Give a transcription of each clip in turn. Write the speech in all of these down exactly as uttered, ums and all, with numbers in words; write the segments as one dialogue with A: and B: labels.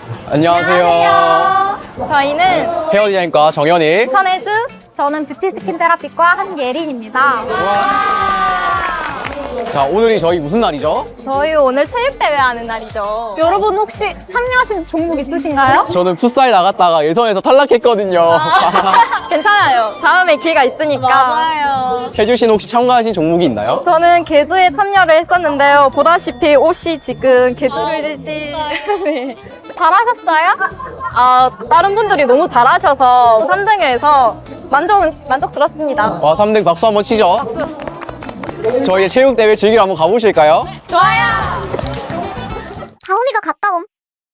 A: 안녕하세요.
B: 안녕하세요. 저희는
A: 헤어 디자인과 정현일.
B: 천혜주, 저는 뷰티 스킨 테라피과 한예린입니다.
A: 자, 오늘이 저희 무슨 날이죠?
B: 저희 오늘 체육대회 하는 날이죠. 여러분 혹시 참여하신 종목 있으신가요?
A: 저는 풋살 나갔다가 예선에서 탈락했거든요.
B: 괜찮아요. 다음에 기회가 있으니까.
C: 맞아요.
A: 혜주 씨는 혹시 참가하신 종목이 있나요?
B: 저는 개주에 참여를 했었는데요. 보다시피 옷이 지금 개주를 일 대 일.
C: 잘하셨어요?
B: 아, 다른 분들이 너무 잘하셔서 삼 등을 해서 만족, 만족스럽습니다.
A: 와, 삼 등 박수 한번 치죠. 저희 체육대회 즐기러 한번 가보실까요?
B: 좋아요.
C: 다음이가 갔다 옴.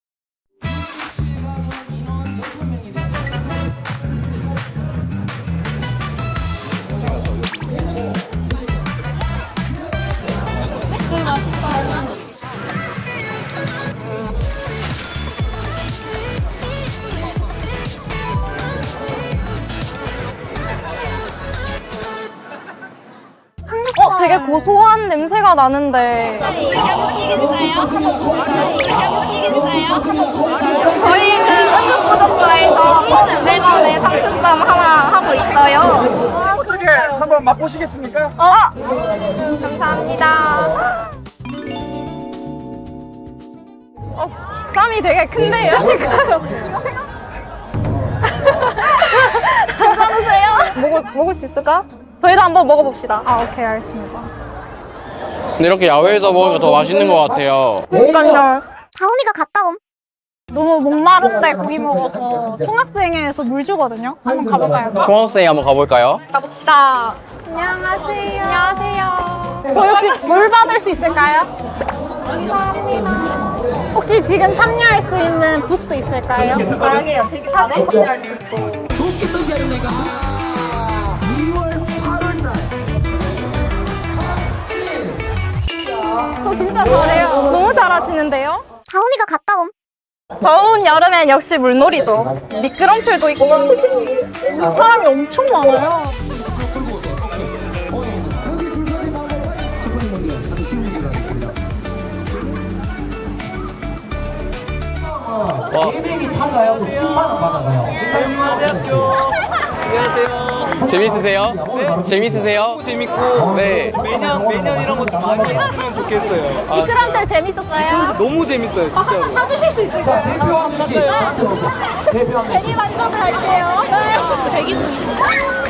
B: 어, 되게 고소한 냄새가 나는데.
C: 저희는 한국구독과에서 매번에 상품점 하나 하고 있어요.
D: 어떻게 한번 맛보시겠습니까?
B: 어, 감사합니다. 어, 쌈이 되게 큰데요? 괜찮으세요? 먹을, 먹을 수 있을까? 저희도 한번 먹어봅시다.
C: 아, 오케이, 알겠습니다.
A: 근데 이렇게 야외에서 먹으니까 더 맛있는 것 같아요.
B: 그러니까요.
C: 다음이가 갔다 옴.
E: 너무 목마른데 고기 먹어서 총학생회에서 물 주거든요. 한번 가볼까요?
A: 총학생이 한번 가볼까요?
B: 가봅시다.
E: 안녕하세요.
B: 안녕하세요.
E: 저희 혹시 물 받을 수 있을까요? 감사합니다. 혹시 지금 참여할 수 있는 부스 있을까요?
B: 다양해요. 되게 다들 참여할 수 있고.
E: 저 진짜 잘해요.
B: 너무 잘하시는데요?
C: 다음이가 갔다 옴.
B: 더운 여름엔 역시 물놀이죠. 미끄럼틀도 있고.
E: 사람이 엄청 많아요.
A: 와,
F: 일명이 참가하고 십만 원 받아가요.
A: 안녕하세요. 재밌으세요? 네? 재밌으세요?
G: 너무 재밌고
A: 네.
G: 매년 매년 이런 거 좀 많이 했으면 좋겠어요. 아,
E: 미끄럼틀 재밌었어요?
G: 너무 재밌어요 진짜로.
E: 타주실 수
F: 자,
E: 있을까요?
F: 대표 한 명씩 저한테 오세요. 대표 한 명씩.
E: 만족을 할게요. 네. 대기 중이시죠?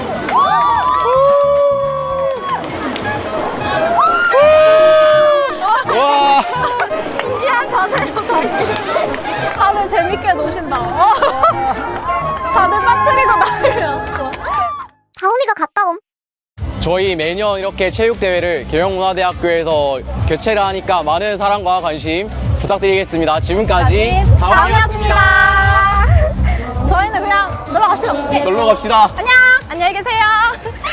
A: 와,
E: 신기한 자세로 다들 재밌게 노신다. 다들 빠뜨리고 난리였어.
C: 다음이가 갔다 옴.
A: 저희 매년 이렇게 체육대회를 계명문화대학교에서 개최를 하니까 많은 사랑과 관심 부탁드리겠습니다. 지금까지
E: 다음이었습니다. 저희는 그냥 놀러 갑시다.
A: 놀러 갑시다.
E: 안녕.
B: 안녕히 계세요.